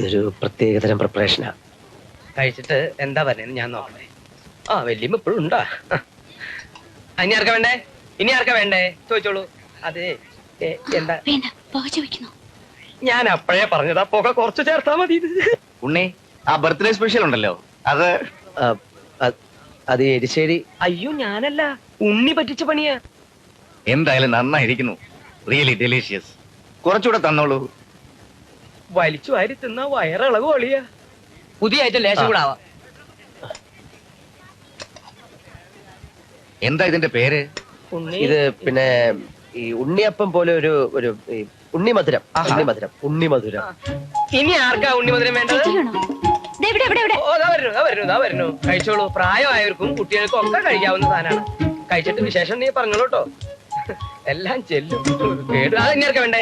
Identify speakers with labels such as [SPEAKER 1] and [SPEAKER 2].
[SPEAKER 1] ഇതൊരു പ്രത്യേകതരം പ്രിപ്പറേഷനാ.
[SPEAKER 2] കഴിച്ചിട്ട് എന്താ പറയുന്നത് ഞാൻ നോക്കണേ. ആ വല്യമ്മ ഇപ്പോഴും ഉണ്ടാ? ഇനി ആർക്കാ വേണ്ടേ? ഇനി ആർക്കാ വേണ്ടേ ചോദിച്ചോളൂ. അതെ എന്താ ഞാൻ അപ്പഴേ പറഞ്ഞതാ, പുക കുറച്ച് ചേർത്താ മതി.
[SPEAKER 3] ഉണ്ണി, ആ ബർത്ത്ഡേ സ്പെഷ്യൽ ഉണ്ടല്ലോ അത്.
[SPEAKER 1] അത് എരിശ്ശേരി.
[SPEAKER 2] അയ്യോ ഞാനല്ല, ഉണ്ണി പറ്റിച്ച പണിയാ.
[SPEAKER 3] എന്തായാലും നന്നായിരിക്കുന്നു, റിയലി ഡെലീഷ്യസ്. കുറച്ചുകൂടെ തന്നോളൂ.
[SPEAKER 2] വലിച്ചു വാരി തിന്ന വയറിളവ് ഒളിയാ. പുതിയ ഐറ്റം ലേശം കൂടെ ആവാം.
[SPEAKER 3] എന്താ ഇതിന്റെ പേര്?
[SPEAKER 1] ഇത് പിന്നെ ഈ ഉണ്ണിയപ്പം പോലെ ഒരു ഉണ്ണിമധുരം. ഉണ്ണിമധുരം.
[SPEAKER 2] ഇനി ആർക്കാ ഉണ്ണിമധുരം വേണ്ടത്? വരുന്നു. കഴിച്ചോളൂ. പ്രായമായവർക്കും കുട്ടികൾക്കും ഒക്കെ കഴിക്കാവുന്ന സാധനമാണ്. കഴിച്ചിട്ട് വിശേഷം നീ പറഞ്ഞോളൂ കേട്ടോ. എല്ലാം ചെല്ലും. കേട്ടു. അത് ഇനി ആർക്കാ വേണ്ടേ?